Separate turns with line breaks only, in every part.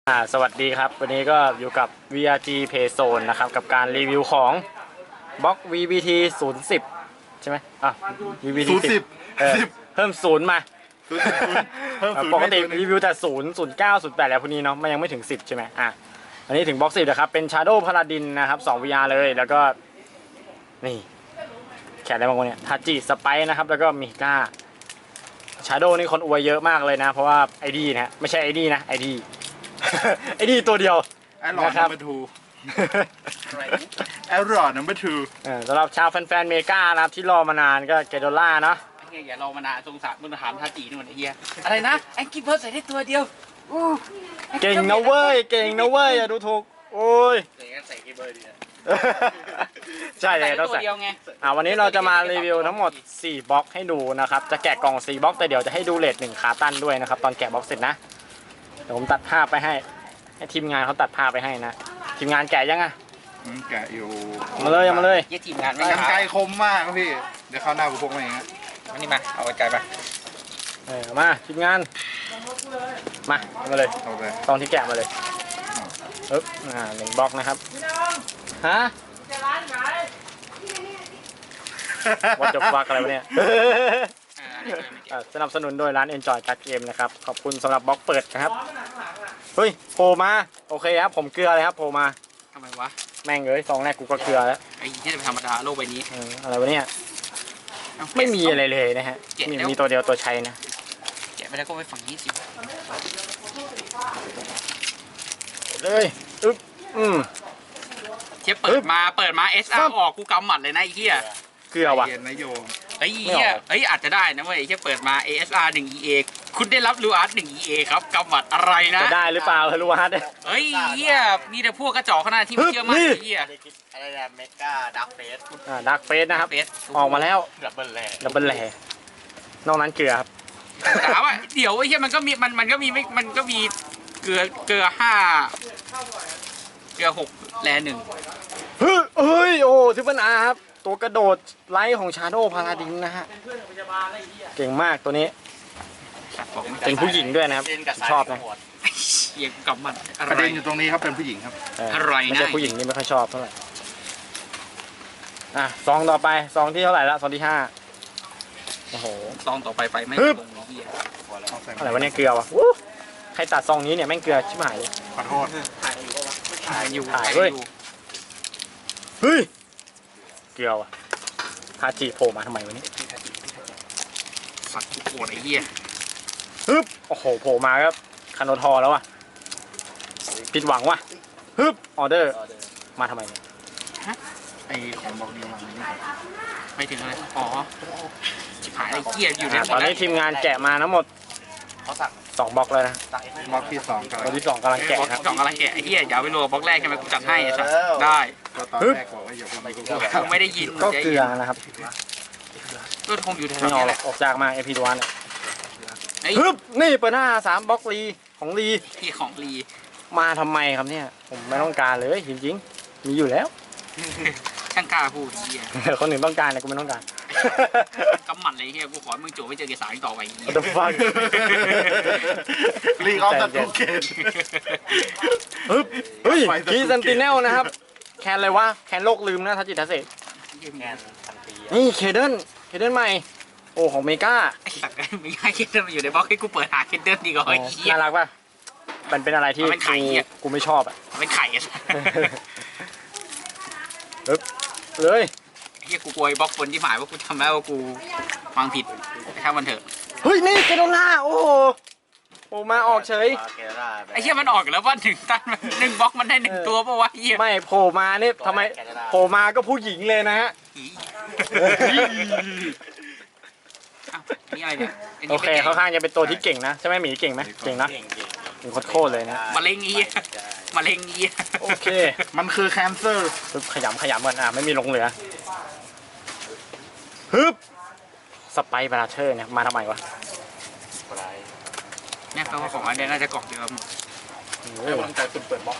สวัสดีครับวันนี้ก็อยู่กับ VRG Payzone นะครับกับการรีวิวของบล็อก VBT 010ใช่ไหมVBT 10เพิ่มศูนย์มาปกติรีวิวแต่0 09 08แล้วพวกนี้เนาะมันยังไม่ถึง10ใช่ไหมอันนี้ถึงบล็อก10นะครับเป็น Shadow Paladin นะครับ2 VR เลยแล้วก็นี่แขนอะไรบางคนเนี่ยทัจิสไปนะครับแล้วก็มิก้า Shadow นี่คนอวยเยอะมากเลยนะเพราะว่า ID นะไม่ใช่ ID นะ ID ไอ้นี่ตัวเดียว
ไอ้หลอดนัมเบอร์ทูไอ้หลอดนัมเบอร์ทู
สำหรับชาวแฟนๆเมกานะครับที่รอมานานก็เกโดล่าเนาะ
ไอ้เหี้ยอย่ารอมานานสงสารมึงถามทาจีนี่มันไอ้เหี้ยอะไรนะไอ้กิฟเพิร์ใส่ได้ตัวเดียว
เก่งนะเว้ยเก่งนะเว้ยอย่าดูถูกโอ้ย
ใส่กิฟเพิร์ดีนะ
ใช่เลยต้องใส่วันนี้เราจะมารีวิวทั้งหมด4บล็อกให้ดูนะครับจะแกะกล่อง4บล็อกแต่เดี๋ยวจะให้ดูเรท1ขาตั้นด้วยนะครับตอนแกะบล็อกเสร็จนะเดี๋ยวผมตัดภาพไปให้ทีมงานเขาตัดภาพไปให้นะทีมงานแกะยัง
แกะอยู่
มาเลยมาเลย
ยี่ทีมงานไม่
กันไกลคมมากพี่เดี๋ยวเข้าหน้ากูพกมาเองนะ
นี่มาเอาไกลไป
มาทีมงานมาเลยตอนที่แกะมาเลย1บล็อกนะครับฮะวัดจบฟักอะไรวะเนี่ยสนับสนุนโดยร้าน Enjoy Card Game นะครับขอบคุณสำหรับบล็อกเปิดนะครับเฮ้ยโผล่มาโอเคครับผมเกลือเลยครับโผล่มา
ทำไมวะ
แม่งเลย2แรกกูก็เกลือแล้ว
ไอ้ที่เป็นธรรมดาโลกใบนี้
อะไรวะเนี่ยไม่มีอะไรเลยนะฮะมีตัวเดียวตัวชัยนะ
แกะไปแล้วก็ไปฝั่งนี้สิ
เลย
เทียบเปิดมา SR ออกกูกำหมัดเลยนะไอ้เหี้ย
เกลือว่ะ
ไอ้เหี้ยอาจจะได้นะเว้ยเทียบเปิดมา ASR 1 EA คุณได้รับลูอาร์ต1 EA ครับกำหมัดอะไรนะ
จะได้หรือเปล่าลูอาร์ต
เฮ้ยเหี้ยมีแต่พวกกระจอกขนาดที่ไม่เชื่อมั่นไอ้เหี้ย
อะไรนะเมกาดักเฟส
ดักเฟสนะครับออกมาแล้ว
ดับเบิลแ
หล่นอกนั้นเกลือครับ
ถามว่าเดี๋ยวไอ้เหี้ยมันก็มีเกลือ5เกลือ6แล1
เฮ้ยโอ้ทิปเปิลอาร์ครับตัวกระโดดไลท์ของ Shadow Paladin นะฮะเก่งมากตัวนี้เป็นผู้หญิงด้วยนะครับชอบนะ
เกี่ยงกับมัน
ประเด็นอยู่ตรงนี้ครับเป็นผู้หญิงครับ
อะไรนะ
ไม่ใช่ผู้หญิงนี่ไม่ค่อยชอบเท่าไหร่ซองต่อไปซองที่เท่าไหร่ละซองที่5โอ้โห
ซองต่อไปไฟไม่ตรงนี้
อะไรวะเนี่ยเกลือวะใครตัดซองนี้เนี่ยแม่งเกลือชิบหายเลย
ขอโทษ
ถ่ายอยู่
เฮ้ยเกลือว่ะทาจิโผล่มาทำไมวะนี่
สัตว์โกรธไอ้เหี้ย
โอ้โหโผล่มาครับคาโนทอแล้วว่ะผิดหวังว่ะออเดอร์มาทำไมเนี่ย
ไอของบอกนี้
ไม่ถึงอะไรอ๋อชิบหายไอ้เหี้ยอยู่ใน
ตอนนี้ทีมงานแกะมาทั้งหมด
เขาสั่ง
2บล็อกเลยนะ
บล็อกที่2
บล็อกที่2กำลังแกะครับ
2กำลังแกะไอ้เหี้ยอย่าไปรัวบล็อกแรกใช่ไหมกูจัดให้สัตว์ได้
ตอนแรกบอกว่าอย่าไปกู
ไม่ได้ยิน
ก็เกลือนะครับ
ก็คงอยู่แถว
นี้แหละออกจากมาเอพีดวนนี่เปิดหน้า3บล็อกลีของลี
ที่ของลี
มาทำไมครับเนี่ยผมไม่ต้องการเลยจริงๆมีอยู่แล้ว
ช่างกล้าพูดเหี้ย
คนหนึ่งต้องการแต่กูไม่ต้องการ
กำหมัดเลยเฮียกูขอมึงโจไม่เจอเกสารต่อไป
What the fuck
ลีกออฟตัดทุกเกม
เฮ้ยคีซันติเนลนะครับแคนอะไรวะแคนโลกลืมนะทัจิตาเซนี่เคเดิลใหม่โอ้ของเมกา
ไม่ใช่เคเดิลมาอยู่ในบล็อกให้กูเปิดหาเคเดิลดีกว่า
น่ารักป่ะมันเป็นอะไรที่กูไม่ชอบอ่ะ
เป็นไข่
เลย
เฮียกูกลัวบล็อกคนที่หมายว่ากูทำแล้วว่ากูฟังผิดแค่มันเถอะ
เฮ้ยนี่เกโดล่าโอ้โหมาออกเฉย
ไอ้เฮียมันออกแล้วว่า1 ตั้น1บล็อกมันได้1ตัวป่าววะเฮีย
ไม่โผล่มาเนี่ยทำไมโผล่มาก็ผู้หญิงเลยนะฮะ
นี่อะไรเนี่ย
โอเคเขาข้างจะเป็นตัวที่เก่งนะใช่ไหมหมีเก่งไหมเก่งนะเก่งโคตรเลยนะ
มะเร็งอี
โอเค
มันคือแคนเซอร์
ขยำกันไม่มีลงเหลือสไปบาราเชอร์เนี่ยมาทำไมวะ
เนี่ยแปลว่าของอันนี้น่าจะกล่องเดียวหมด
กำลังใจคุณเปิดบล็อก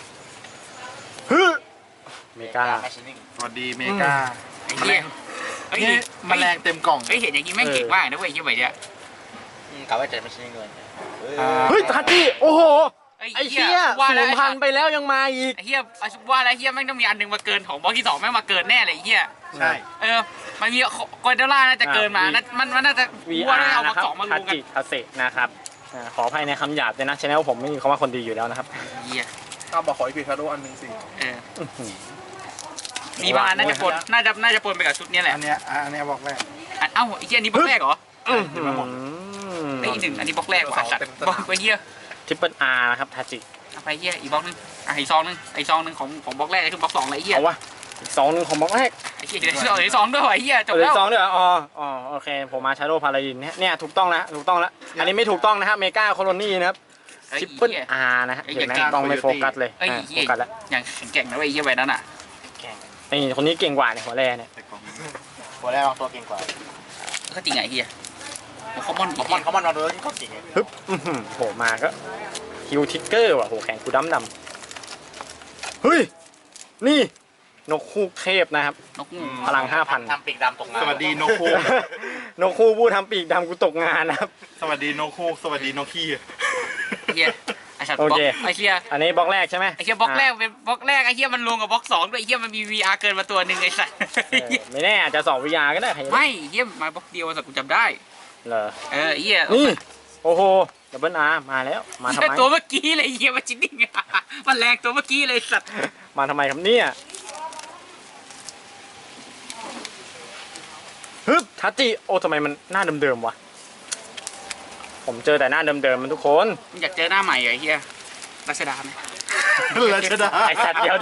เมกา
สวัสดีเมกา
ไอ้เหี้ย
แมลงเต็มกล่อง
เห็นอย่างนี้แม่งเก่งมากนะเว้ยยี่ใบเนี้ย
กะว่าจะไม่ใช่เงิน
เฮ้ยทัดดี้โอ้โหไอ้เหี้ย
ว่าแล้ว
0,000ไปแล้วยังมาอีก
ไอ้เหี้ยว่าแล้วเหี้ยแม่งต้องมีอันหนึงมาเกินของบล็อกที่สองแม่งมาเกินแน่เลยไอ้เหี้ย
ใช่
มันมีกอร์เดล่าน่าจะเกินมามันน่าจะว่า
VR
น่าจะเอาบล็
นะ
อก
ครับ
สองมา
ทั
ลุงกัน
จิทาเซนะครับขออภัยในคำหยาบด้วยนะชแนลผมไม่มีคำว่าคนดีอยู่แล้วนะครับ
เหี้ย
ถ้าบอกขออีพีคาโดอันหนึ่งสิ
เออ
อื้อหือ
มีบางอันน่าจะปนไปกับชุดนี้แหละ
อันเนี้ยบอกแรก
เอ้าไอ้เหี้ยอันนี้บล็อกแรกเหรอ
เดี๋ยวมาหมด
ไอ้อีกหนึ่งอันนี้บล็อกแรกว่ะสัตว์
เต็ม
บล็อกไปเหี้ย
ทริปเปิลอาร์นะครับทาจิ
เอาไปเหี้ยอีกบล็อกนึงอีกซองนึงของบล็อกแรกคือบล็อกสองเลยไอ้เหี้ย
เอาวะอีก2 นึงของบล็อกแรก
ไอ้เหี้ยเดี๋ยวอีกซองด้วยว่ะไอ้เหี้ยจบ
เหลื
แล้
อ
ว
2ด้วยเหรออ๋อโอเคผมมาชาโดว์พาราดินเนี่ยถูกต้องแล้วอันนี้ไม่ถูกต้องนะครับเมกาโคโลนี่นะครับ
ไอ้
ทริปเปิล
เหี้ย
อาร์นะฮะ
ไอ้
เห็นไหม
เหี้ย
ต้องไม่โฟกัสเลย
ไอ้
โฟ
เหี้ย
กัสแล้ว
อย่างแข็งแกร่งนะเว้ยไอ้เหี้ยใบนั้นอ่ะ
นี่คนนี้เก่งกว่าเนี่ยหัวแร่เนี่ย
หัวแรกบางตัวเก่งกว่า
ก็จริงไงไอ้เหี้ยคอมมอน
เขามันมาดูแล้วก็เก่งไง
ฮึบโหมาก็ฮิวทิกเกอร์ว่ะโหแข่งกูดำเฮ้ยนี่นกคู่เทพนะครับ
นกงู
พลัง 5,000
ทำปีกดำตกงาน
สวัสดีโนคู
นกคู่ผู้ทำปีกดำกูตกงานนะครับ
สวัสดีโนคูสวัสดีโนคี
ไอ้เหี้ยไอ้สัตว์บ
โอ
ล็อก
เค
ไอ้เหี้ย
อันนี้บล็อกแรกใช่ไหม
ไอ้เหี้ยบล็อกแรกเป็นบล็อกแรกไอ้เหี้ยมันรวมกับบล็อกสองด้วยไอ้เหี้ยมันมี VR เกินมาตัวหนึ่งไอ้สัตว์
ไม่แน่อาจจะ2 VR ก็ได้ใครจะรู้
ไม่เหี้ยมาบล็อกเดียวสัตว์กูจำได้
เหรอ
ไอ้เหี้ย
นี่โอ้โหดับเบิลอาร์มาแล้วมาทำไม
ตัวเมื่อกี้เลยไอ้เหี้ยมาจิ้นดิ้งมันแรงตัวเมื่อกี้เลยสัตว์
มาทำไมครับเนี่ยฮึบทัตจิโอ้ทำไมมันหน้าเดิมๆวะผมเจอแต่หน้าเดิมๆมันทุกคน
มึงอยากเจอหน้าใหม่เหรอไอ้เหี้ยรัชดาไหม
รัชดา
ไอสัตว์เดียว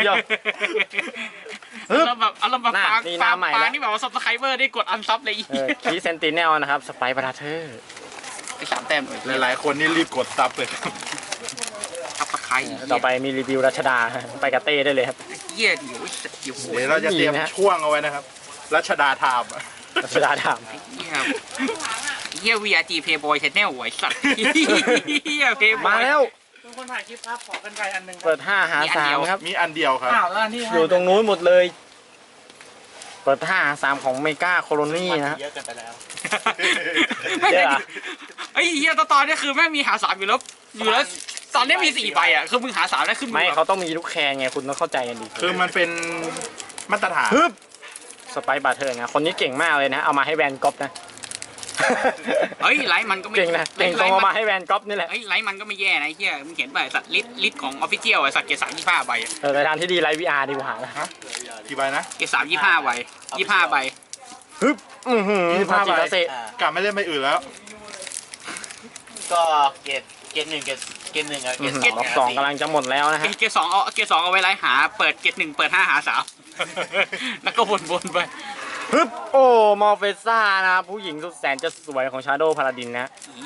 ฮึบ
เอาเราแบบ
หน้า
ปาง
นี่หน้าใหม่แล้ว
นี่แบบว่าซับสไครเบอร์ได้กดอันซับเลยไอ้เหี้ย
คีเซนติเนลนะครับสไปบราเธอร์
ไอ้สามแต้มเลย
หลายๆคนนี่รีบกดซับเลย
ซับสไคร
ต่อไปมีรีวิวรัชดาไปกับเต้ได้เลยครับ
เหี้ยเดี๋ยวโอ้ย
เดี๋ยวเราจะเตรียม
ดีนะ
ช่วงเอาไว้นะครับ รัชดาไทม์
รัชดาถาม
เหี้ย VRG Playboy Channel ไอ้สัตว์เหี้ย Playboy
มาแล้ว
ทุกคนถ่ายคลิปครับ ขอกันไกลอันหนึ่ง
เปิด5 หา 3ครับ
มีอันเดียวครับ
อ้าวแล้วอันที่
อยู่ตรงนู้นหมดเลย เปิด5 หา 3ของเมกาโคโลนี่นะฮะ
เยอะเกินไปแล้ว
เยอะอะ
ไอ้เหี้ยตอนนี้คือแม่งมีหาสามอยู่แล้วตอนนี้มี4ใบอ่ะคือมึงหาสามได้ขึ้น
ไม่เขาต้องมีลูกแคร์ไงคุณต้องเข้าใจกันดี
คือมันเป็นมาตรฐาน
ฮึบสไปบาเทอร์นะคนนี้เก่งมากเลยนะ เอามาให้แวนก๊อปนะ
เฮ้ยไลท์มันก็ไม่
เก่งนะเก่งตรงเอามาให้แวนก๊อปนี่แหละ
เฮ้ยไลท์มันก็ไม่แย่นะไอ้เหี้ยมึงเห็นป่ะสัตว์ลิสของออฟฟิเชียลไอ้สัตว์เกรด3 25ใบอะ
แต่ทางที่ดีไลฟ์วีอาร์ดีกว่านะ
กี่ใบนะ
เกรด3 25ใบ25ใบ
ฮึบ
25
ทาจิ
ใบ
ตาเซ
กลับไม่เล่นใบอื่นแล้ว
ก็เกรดหนึ่งเกรดหนึ่งอะเกรด
บล็อก2กำลังจะหมดแล้วนะฮะ
เกรด2เอาไว้ไลท์หาเปิดเกรด1เปิด5หา3แล้วก็วนไป
ฮึบโอ้มอร์เฟซ่านะผู้หญิงสุดแสนจะสวยของชาโดว์พาราดินนะ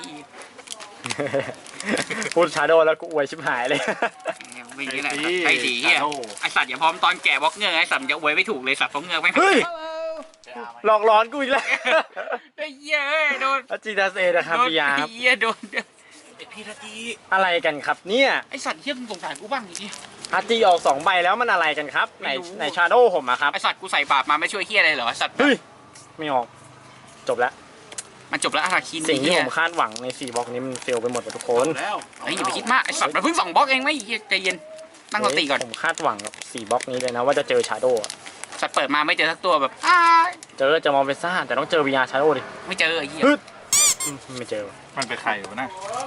พูดชาโดว์แล้วกูอวยชิบหายเลย
ไม่อย่างนี้แหละไอ้ดีเหี้ยไอ้สัตว์อย่าพร้อมตอนแก่บล็อกเงือกไอ้สัตว์จะอวยไม่ถูกเลยสัตว์เพราะเงือกไม่
เฮ้ยหลอกหลอนกูอีกแล้ว
ไอ้เหี้ยเอ้ยโดน
จิตาเซนะครับ
โดน
พี่ยาครับ
เหี้ยโดน
พี่นาที
อะไรกันครับเนี่ย
ไอ้สัตว์เหี้ยมึงสงสารกูบ้างดิ
อาจีออก2 ใบแล้วมันอะไรกันครับในชาโดว์ผมอะครับ
ไอ้สัตว์กูใส่บาปมาไม่ช่วยเหี้ยอะไรเหรอสัตว์
เฮ้ยไม่ออกจบแล้ว
มันจบแล้วอาราคิน
สิ่งที่
เหี้
ผ
ย
มคาดหวังใน4 บล็อกนี้มันเฟลไปหมดทุกคน
แล้ว
เฮ้ยอย่าไปคิดมากไอ้สัตว์มันเพิ่ง2บล็อกเองไม่เหี้ยใจเย็นตั้งสติก่อน
ผมคาดหวังกับ4 บล็อกนี้เลยนะว่าจะเจอชาโดว์
สัตว์เปิดมาไม่เจอสักตัวแบบ
เจอมอร์เฟซ่าแต่ต้องเจอ VR ชาโดว์ดิ
ไม่เจอไอ้เหี้ย
ฮึดไม่เจอ
มันเป็นใครวะนะ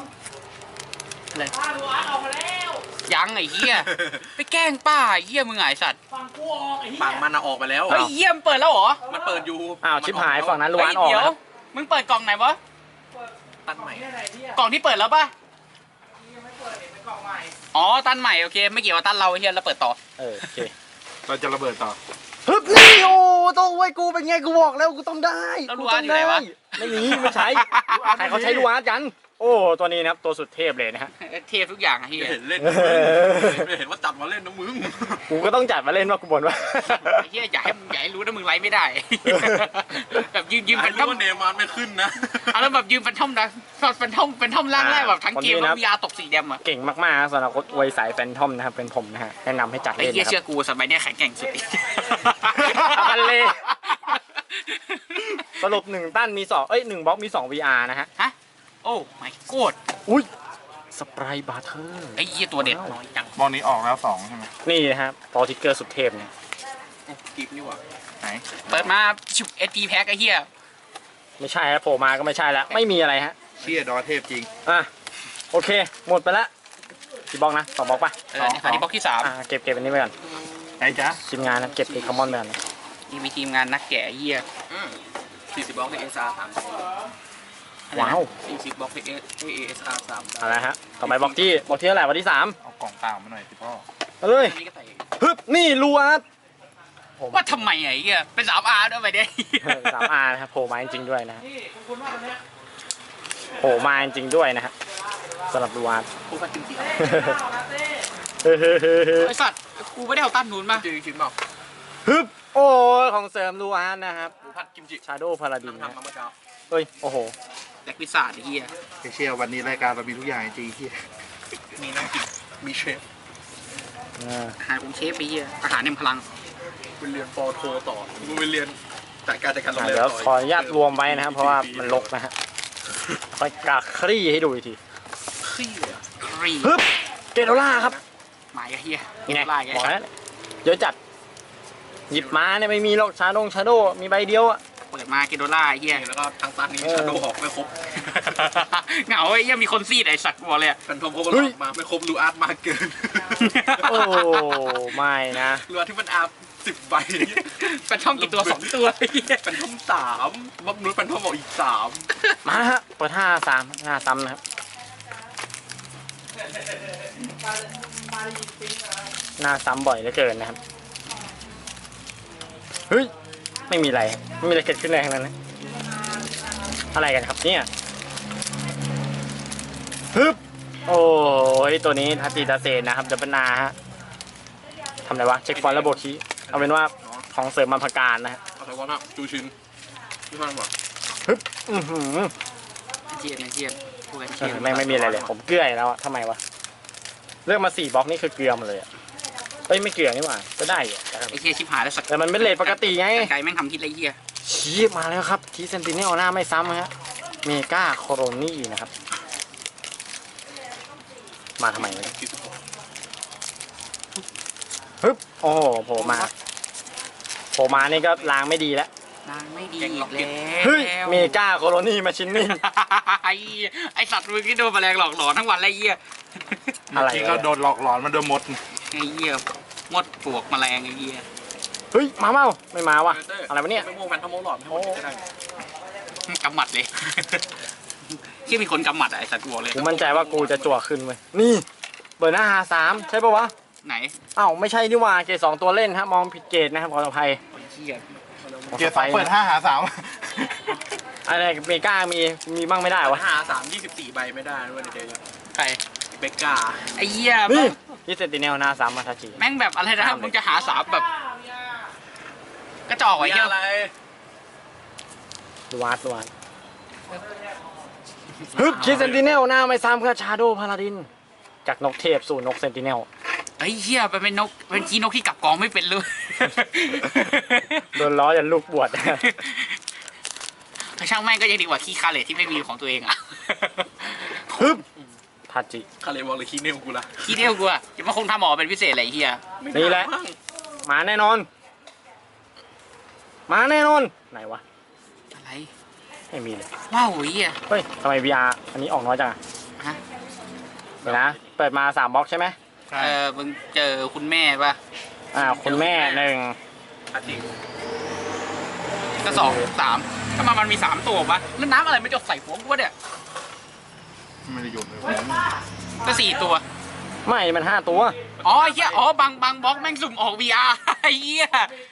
ยังไอ้เหี้ยไปแกล้งป้าไอ้เหี้ยมึงไงสัตว์
ฟังกูออกไอ้เหี้ย
ฝั่งมันออกไปแล้ว
เฮ้ยเหี้ยมนเปิดแล้วเหรอ
มันเปิดอยู่
อ้าวชิบหายฝั่งนั้นล้
เฮ้
วย นออก
เดี๋ยว
นะครับ
มึงเปิดกล่องไหนวะ
ตันใหม่
กล่องที่เปิดแล้วป่ะ
ยังไม่เปิดเป็นกล่องใหม่
อ๋อตันใหม่โอเคไม่เกี่ยวกับตันเราไอ้เหี้ยเราเปิดต่อ
โอเค
เราจะระเบิดต่อ
ฮึบนี่โอ้ต้องไว้กูเป็นไงกูบอกแล้วกูต้องได้
แล้ว
กู
ลู
ต้
อา
อ
ร์
ง
ตอยู่ไหน
ได้
วะ
ไม่มีไม่ใช้ใครเขาใช้ลูอาร์ตกัน โอ้ตัวนี้นะครับตัวสุดเทพเลยนะฮะ
เทพทุกอย่างไอ้เหี้ย
เห็นเล่นไม่เห็นว่าจับมาเล่นนะมึง
กูก็ต้องจัดมาเล่นว่ากูบ่นว่า
ไอ้เหี้ยอย่าให้รู้นะมึงไลฟ์ไม่ได้ แบบยืมแฟนทอม
เนมานไม่ขึ้นนะ
เอาแล้วแบบยืมแฟนทอมนะแฟนทอมร่างแรกแบบทั้งเกมแล้ววิอาตกสีแดงอ่ะ
เก่งมากๆสำหรับคนอวยสายแฟนทอมนะครับเป็นผมนะฮะแนะนำให้จัด
ไอ้
เล่น
เหี้ย
นะค
เชื่
รับ
อกูสมัยเนี้ยแข็งแกร่งสุด
เอากันเลยสรุป1 ตั้นมี2 1 บล็อกมี2 VR นะฮะ
ฮะโอ้ไม่โกด
อุ้ยสไปรบาร์เทอร์
ไอ้เหี้ยตัวเด็ดน้อยจัง
บอลนี้ออกแล้ว2ใช่ไหม
นี่นะครับพอทิกเกอร์สุดเทพเนี่ย
กิฟนี่หว่า
ไหน
เปิดมาชุบ SP แพ็คไอ้เหี้ย
ไม่ใช่ฮะโผล่มาก็ไม่ใช่แล้วไม่มีอะไรฮะ
เชี่ยดอเทพจริง
อ่ะโอเค หมดไปละกี่บล็อกนะ2บล็อกป่ะ
อันนี้บล็อกที่
เก็บอันนี้ไว้ก่อน
ไหนจ๊ะ
ทีมงานนะเก็บไอ้คอมมอนไปก่อนนะ
3นี่มีทีมงานนักแกะไอ้เหี้ย
40บล็อกใน SR
ว้าว
40บล็อกใน ASR 3
เอาละไรฮะต่อไปบล็อกที่เท่าไหร่วันที่3
เอากล่องเปล่ามาหน่อยสิพ่อ
เอาเลย
นี่ก็ใส่
ฮึบนี่ลูอาร์ต
ว่าทำไมไอ้เหี้ยเป็น 3R ด้วยไปเนี่ย
3R นะครับโผล่มาจริงๆด้วยนะฮะ
นี่คุณว่าตอนเนี้ย
โผล่มาจริงๆด้วยนะฮะสำหรับลูอาร์ต
ผู้พัดจริง
ข้าวนะเต้
ไอ้สัตว์กูไม่ได้เอาตั้นนูนมา
ๆจริงเปล่า
ฮึบโอ้ยของเสริมลูอาร์ตนะครับ
ผู้พัดกิมจิ
ชาโดว์พาราดิน
ทำมาเมื่อเช้า
เฮ้ยโอ้โห
แจ็คพิซซ่าไอ้เหี้ย
เชี่ยวันนี้รายการเรามีทุกอย่างจริงเชี่ย
มีน้ำกินมีเชฟ
อาหารองค์เชฟไอ้เหี้ยอาหารแห่งพลัง
ไปเรียนปอโทต่อกูไปเรียนจากการจัดการโรงเรียน
เดี๋ยว
ต่
ขออนุญาตรวมไว้นะครับเพราะว่ามันรกนะฮะค่อยกาคลี่ให้ดูอีกที
ขี้เลยอะ
ครี
ฮึบเกโดล่าครับ
หมายไอ้เหี้ย
นี่ไง
ไล่ไง
บอกแล้วเยอะจัดหยิบมาเนี่ยไม่มีหรอกชาโดมีใบเดียวอะ
เปิดมาเกโดล่าไอ้เหี้ย
แล้วก็ทางตันนี้ชาโดว์ออกไม่ครบ
เหงาไอ้เหี้ยมีคนซีดไอ้สัตว์กูบอกเลยอะ
แฟนทอมโคก็หลอกมาไม่ครบลูอาร์ตมาเกิน
โอ้ไม่นะ
ลูอาร์ตที่มันอาร์10ใบ
เป็นช่องกี่ตัว2ตัวไอ้เหี้ย
แฟนทอม3บักนุ้ยแฟนทอมบอกอีก3
มาฮะเปิด5-3 5ซ้ำนะครับหน้าซ้ำบ่อยเหลือเกินนะครับเฮ้ยไม่มีอะไรเกิดขึ้นเลยทั้งนั้นนะอะไรกันครับเนี่ยฮึบโอ้ยตัวนี้ทัตติตาเซนนะครับจะเป็นนาฮะทำอะไรวะเช็คฟอนต์ระบบคีย์เอาเป็นว่าของเสริมมาพการนะฮะ
เอาแต่ว่าน่ะจูชินที่มันบอก
ฮึบอือหือ
เจียนไอ้เจียนพูดกัน
เอ
เจีย
อน ไม่มีอะไรเลยผมเกลือแล้วอะทำไมวะเลือกมา4บล็อกนี่คือเกลือหมดเลยอะเอ้ยไม่เกลือนี่หว่าก็ได้อะ
ไอ้เหี้ยชิบหายแล้วสัก
แต่มันเป็นเลทปกติไง
ไก่แม่งทำทิศไรเหี้ย
ชี้มาแล้วครับทีเซนติเนลหน้าไม่ซ้ำฮะเมกาโคโรนี่นะครับมาทำไมวะเนี่ยฮึบโอ้โหโผล่มานี่ก็ล้างไม่ดีแล้ว
นางไม่ดีอีกแล้ว
เฮ้ยเมกาโคโรนี่มาชินนี่
ไอสัตว์มึงที่โดนแมลงหลอกหลอนทั้งวันไรเหี้ย
อะไร
ที่
วะ
ก็โดนหลอกหลอนมันโดนมด
ไอ้เหี้ยมดปลวกแมลงไอ้เหี้ย
เฮ้ยมาเมาไม่มาวะอะไรวะเนี่ย
ไม่โม่แฟนทอมโม่หลอดไม่โม่ก็ได้
กำหมัดเลยที่มีคนกำหมัดอะไอสัตว์กูบอกเลย
กูมั่นใจว่ากูจะจั่วขึ้นเว้ยนี่เบอร์หน้า3ใช่ปะวะ
ไหน
อ้าวไม่ใช่นี่หว่าเกรด2ตัวเล่นฮะมองผิดเกรดนะครับขออภัย
ไอ้เหี้ย
เกียร์สองเปิด5 หา
อะไรเมกามีบ้างไม่ได้วะ
24 ใบไม่ได้ด้วยในเดย์
ใคร
เบกกา
ไอ้เหี้ย
นี่ที่เซนติเนลหน้า3มาทาจิ
แม่งแบบอะไรนะมึงจะหาสามแบบกระจอกไอ้เหี้ย
อะไร
ลวาดฮึบคิดเซนติเนลหน้าไม่ซ้ำกับชาโดพาราดิน จากนกเทพสู่นกเซนติเนล
ไอ้เหี้ยเป็นนกเป็นขี้นกที่กลับกองไม่เป็นเลย
โดนล้อจนลูกบวช
ช่างแม่งก็ยังดีกว่าขี้คาเลทที่ไม่มีของตัวเองอะ
ฮึบทาจิ
คาเลบอกเลยคีเนลกูละ
ขี้เดียวกูอะจะมาคงทำหมอเป็นพิเศษอะไรไอ้เหี้ย
นี่แหละ มาแน่นอน ไหนวะ
อะไร
ไม่มีเลย
ว้าวไอ้เหี้ย
เฮ้ยทำไม VR อันนี้ออกน้อยจังอะ
ฮะ
เดี๋ยวนะเปิดมา3บล็อกใช่ไหม
มึงเจอคุณแม่ป่ะ
คุณแม่1
อาทิตย์
ก็2 3ทำไมมันมี3ตัววะแล้วน้ำอะไรไม่จดใส่หัวกูวะเนี่ย
ไม่ได้โยนเลย
ก็4ตัว
ไม่มัน5ตัว
อ๋อไอ้เหี้ยอ๋อบางบล็อกแม่งสุ่มออก VR ไอ้เหี้ย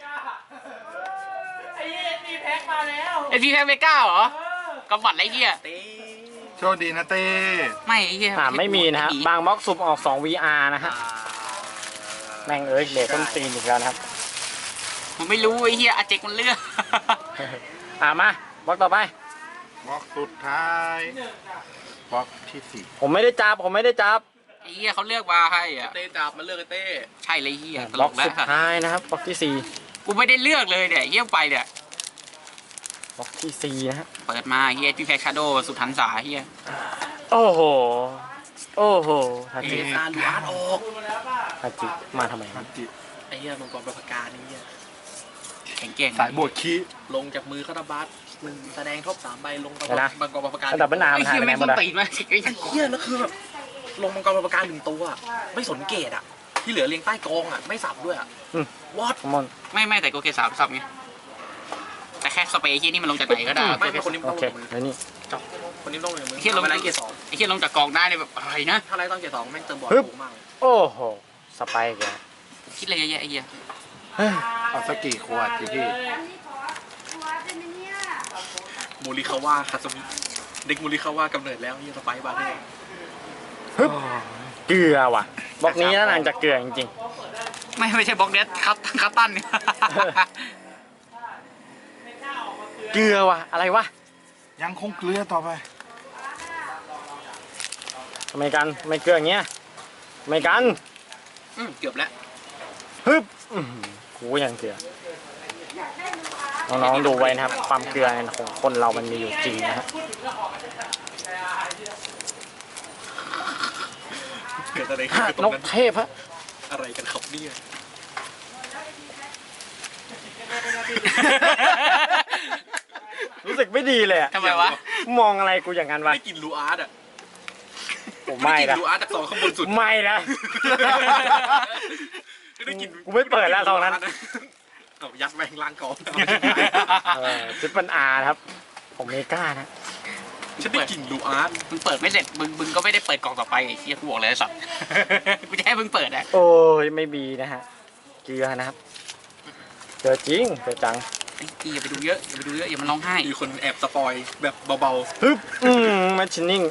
ไอ้เหี้ยมีแพ็คมาแล้ว
ไอพีแพ็คเมก้าเหรอกำบัดไรเหี้ย
เต้
โชคดีนะเต้
ไม่ไอ้เหี้ย
ไม่มีนะฮะบางบล็อกสุ่มออก2 VR นะฮะแม่งเอ้ยเด็กต้นตีนอีกแล้วนะครับ
ผมไม่รู้ไอ้เหี้ยอาเจกมันเลือก
มาบล็อกต่อไป
บล็อกสุดท้ายบล็อกที่
ผมไม่ได้จับ
ไอ้เหี้ยเขาเลือกมาให้อ่ะ
เต้จับมาเลือกไอ้เต้
ใช่เลยเหี้ยต
บ
ล
ล็อก
กแล้ว
สุดท้ายนะครับบล็อกที่
กูไม่ได้เลือกเลยเนี่ยเยี่ยมไปเนี่ย
4บล็อกที่4นะฮะ
เปิดมาเฮียที่แพ็คชาโดสุดทันสาเฮีย
โอ้โหสโอ้โหทาจิ
ASR ลูอาร์ตออก
ทาจิมาทำไม
ทันจิ
ไอ้เหี้ยมังกรประภากานี่เหี้ยแข็งแกร่ง
สายบวกคี
ลงจากมือคาราบัสมึงแสดงท็อป3 ใบลง
เดี๋ยวนะ
มังกรประภากา
ระดับเป็นนาม
ไอ้
หาย
เหี้ย
ไปไหน
แม่ง
หม
ต้
ด
น
อะ
ตีนมากไอ้เหี้ยแล้วคือแบบลงมังกรประภากา1 ตัวอะไม่สนเกตอ่ะที่เหลือเรียงใต้กองอ่ะไม่สับด้วยอ่ะวอด
คอมมอน
ไม่แต่โกเก3สับไงแต่แค่สเปรย์ที่นี่มันลงจากไหนก็ได้ไม่คนนี้
โอเคแล้วนี่
คนนี้ต้องเลยมึงไอ้เหี้ยลงเกต2ไอ้เหี้ยลงจากกองได้เนี่ยแบบอะไรนะถ้าไรต้องเกต2แม่งเติมบอลสูงมาก
โอ้โหสไปค์แก
คิดอะไรเยอะแยะไอ้เหี้ย
เฮ้ย
เอาสักกี่ขวดพี่
โมริคาว่าคาสมิเด็กโมริคาว่ากำเนิดแล้วยี่สไปบาร์เทอร์
ฮึบเกลือว่ะบล็อกนี้น่านางจะเกลือจริง
ไม่ใช่บล็อกเดสคัตตันเนี่ย
ๆเกลือว่ะอะไรวะ
ยังคงเกลือต่อไป
ทำไมกันไม่เกลืออย่างเงี้ยทำไมกัน
เกือบแล้ว
ฮึบกูยังเกลือน้องๆดูไว้นะครับ ความเกลือของคนเรามันมีอยู่จริงนะฮะ
เกิดอะไรขึ้นตร
น
ง
ก
นั้น
เทพฮะ
อะไรกันครับเนี่ย
รู้สึกไม่ดีเลยอะ
ทำไมวะ
มองอะไรกูอย่างนั้นวะ
ได้กินลูอาร์ตอ่ะ
ผมไม่
กิน
นะ
ลูอาร์ตจาก2ข้างบนสุด
ไม่นะ
ได้กิน
กูไม่เปิดแล้วซองนั้น
เอายัดแวงล่างกอง
ทริปเปิลอาร์ครับผมเมกานะ
ฉันได้กินลูอาร์ตมึงเปิดไม่เสร็จมึงก็ไม่ได้เปิดกล่องต่อไปไอ้เหี้ยกูบอกเลยไอ้สัตว์ กูจะให้มึงเปิดอ่ะ
โอ้ยไม่มีนะฮะเกลือนะครับเจอจริงเจอจัง
อย่าไปดูเยอะอย่ามันร้องไห้มีคนแอบสปอยแบบเบา
ฮึบมาชินนิ่ง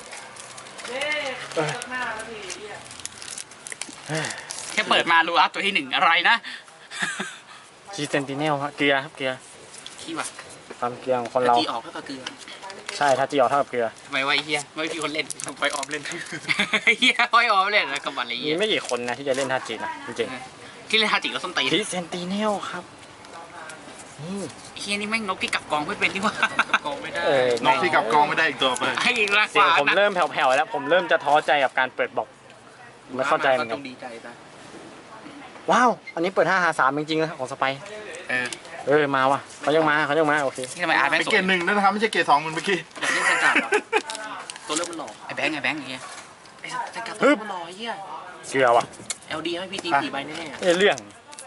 ๆแค่เปิดมาลูอาร์ตตัวที่1อะไรนะ
จีเซนติเนลครับเกลือครับเกลือ
ขี้ว่ะ
ความเกลือของคนเรา
จีออกก็เกลือ
ใช่ถ้าจีออกเท่ากับเกลือ
ทำไมวะไอ้เหี้ยไม่มีคนเล่นไฟออมเล่น เหี้ยไฟออมเล่นแล้วกับมันอะไร
มี
เหี้ย
ไม่กี่คนนะที่จะเล่นท่าจีนะจริง
ที่เล่นฮาจิแล้วส้นตีน
ๆจีเซนติเนลครับนี่
เฮียนี่แม่งนกที่กลับกองไม่เป็นนี่ว่ากับกองไม่ได้
นกที่กลับกองไม่ได้อีกตัวไป
ให้รา
เสียง
คา
ผมเริ่มแผ่วๆแล้ว ผมเริ่มจะท้อใจกับการเปิดบอกไม่เข้าใจเหมือนกั
ต้
น
องดีใจซะ
ว้าว อันนี้เปิด5 5 3จริงๆนะของสไปร์ มาว่ะเขายังมาโอเค
ที่ทำไมอาร์ตแม่ง
เป็น
สว
เก
ย
รด1ด้วยนะครับไม่ใช่เกรด2เหมือนเมื่อกี้
อยากเล่นแซงการ์ดเหรอตัวเริ่มมันหล่อไอ้แบงค์เฮียไอ้แซงการ์ดตัวเริ่มมันหล่อเฮีย
เกลือว่ะ
LD ให้พี่ตี4 ใบแน่
เรื่อง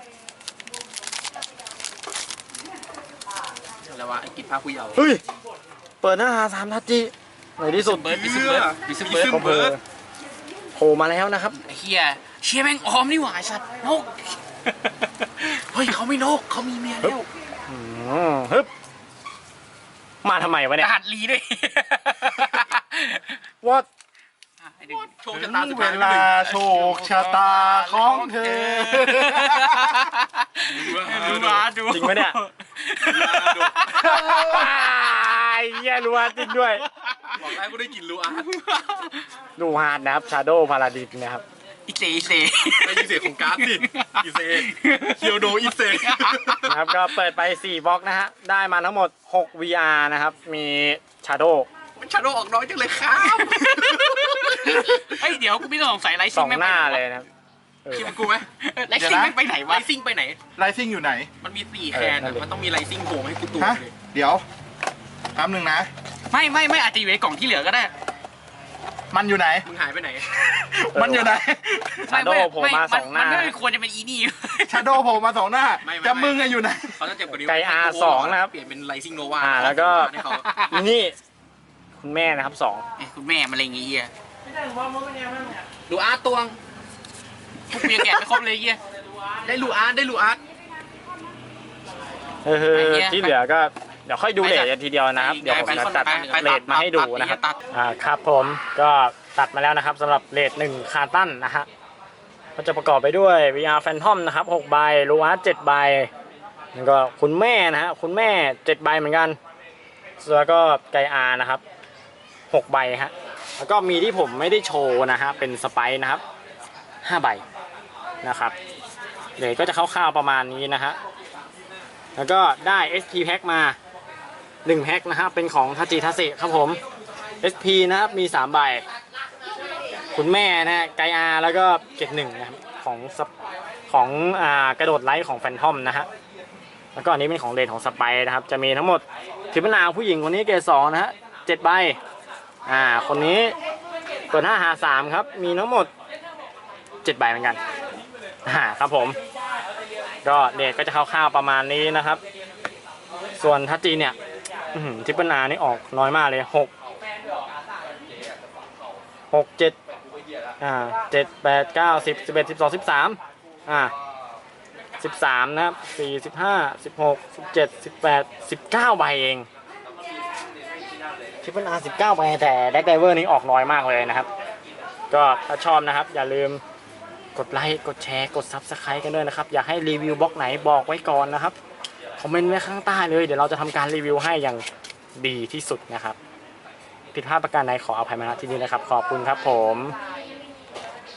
ๆอะไรวะไอ้กินผ้าผู้เยาว์
เฮ้ย เปิด5 5 3ทัจจิในที่สุด
เบิร์ดบิสเบิร์ด
ก็เปิดโผล่มาแล้วนะครับ
ไอ้เฮียเชี่ยแม่งออมนี่หว่าไอ้สัตว์นกเฮ้ยเขาไม่นกเขามีเมียแล้ว
ฮึบมาทำไมวะเนี่ย
รหัสลีด้วย
ว่า
โชค
ถึ
ชะ
ง
ตาสุด
เว
ท้าย
ลาโชคชะตาของเธอ
ดูมาดู
จริงไหมเนี่ยไอ้เหี้ยรู้ว่าจริงด้วย
บอกแล้วกูได้กินลูอาร์ต
ดูฮาร์ดนะครับชาโดพาราดิสนะครับ
อีเซไม่อีเซของการ์ดสิอีเซเคียวโดอีเซ
นะครับก็เปิดไป4บล็อกนะฮะได้มาทั้งหมด6 VR นะครับมีชาโด
มันชาโดออกน้อยจังเลยครับเฮ้ยเดี๋ยวกูไม่ต้องสงสัยไล
ส
ซิ่
อง ง
ไม่
ห
ไป
น้า
ไหน
เลยนะครับ
คิดเป็นกูไหมไลซิ่งไม่ไปไหนวะไลซิ่งไปไหน
ไลซิ่งอยู่ไหน
มันมี4 แคนอะมันต้องมีไลซิ่งโผล่มาให้กูตัว
ฮะ
เลย
เดี๋ยวแป๊บนึงนะ
ไม่อาจจะอยู่ในกล่องที่เหลือก็ได้
มันอยู่ไหน
มึงหายไปไหน
มันอยู่ไหน
ชาโดโผล่มาสองหน้า
มันไม่ควรจะเป็นอีนี่
ชาโดโผล่มา2 หน้า
ไม่
จะมึงอะอยู่ไหน
เขาจะเจ็บกว่านี้
ไก่ R2 นะครับ
เปลี่ยนเป็นไลซิ่งโนวา
แล้วก็
ให้เขา
นี่คุณแม่นะครับ2
คุณแม่มาอะไรอย่างเงี้ย
ไม่ใช่ผมว่ามันเป็นยังไงบ้างเนี่ย
ลูอาร์ตตวงพวกเมียแกะไม่ครบเลยเงี้ยได้ลูอาร์ต
ที่เหลือก็เดี๋ยวค่อยดูเลทกันทีเดียวนะครับ เดี๋ยวผมจะจัดเลทมาให้ดูนะครับครับผมก็ตัดมาแล้วนะครับสำหรับเลท1คาร์ตันนะฮะก็จะประกอบไปด้วย VR Phantom นะครับ6ใบลูอาร์ต7ใบแล้วก็คุณแม่นะฮะคุณแม่7ใบเหมือนกันแล้วก็ไกอานะครับ6ใบฮะแล้วก็มีที่ผมไม่ได้โชว์นะฮะเป็นสไปซ์นะครับ5ใบนะครับเลทก็จะคร่าวๆประมาณนี้นะฮะแล้วก็ได้ SP Pack มา1แพ็คนะครับเป็นของทาจิทาเซครับผม SP นะครับมี3ใบคุณแม่นะฮะไกอาแล้วก็เกรด1นะครับของกระโดดไลท์ของแฟนทอมนะฮะแล้วก็อันนี้เป็นของเลนของสไปนะครับจะมีทั้งหมดทิปนาผู้หญิงคนนี้เกรด2นะฮะ7 ใบคนนี้เปิด5 หา 3ครับมีทั้งหมด7 ใบเหมือนกันครับผมก็เดทก็จะคร่าวๆประมาณนี้นะครับส่วนทัชจีเนี่ยทิปนานี่ออกน้อยมากเลย6 7 7 8 9 10 11 12 13 13นะครับ4 15 16 17 18 19 ใบเองทริปเปิลอาร์19 ใบแต่แดกไดเวอร์นี้ออกน้อยมากเลยนะครับก็ถ้าชอบนะครับอย่าลืมกดไลค์กดแชร์กด Subscribe กันด้วยนะครับอยากให้รีวิวบล็อกไหนบอกไว้ก่อนนะครับคอมเมนต์ไว้ข้างใต้เลยเดี๋ยวเราจะทำการรีวิวให้อย่างดีที่สุดนะครับผิดพลาดประการใดขออภัยมาณที่นี้นะครับขอบคุณครับผม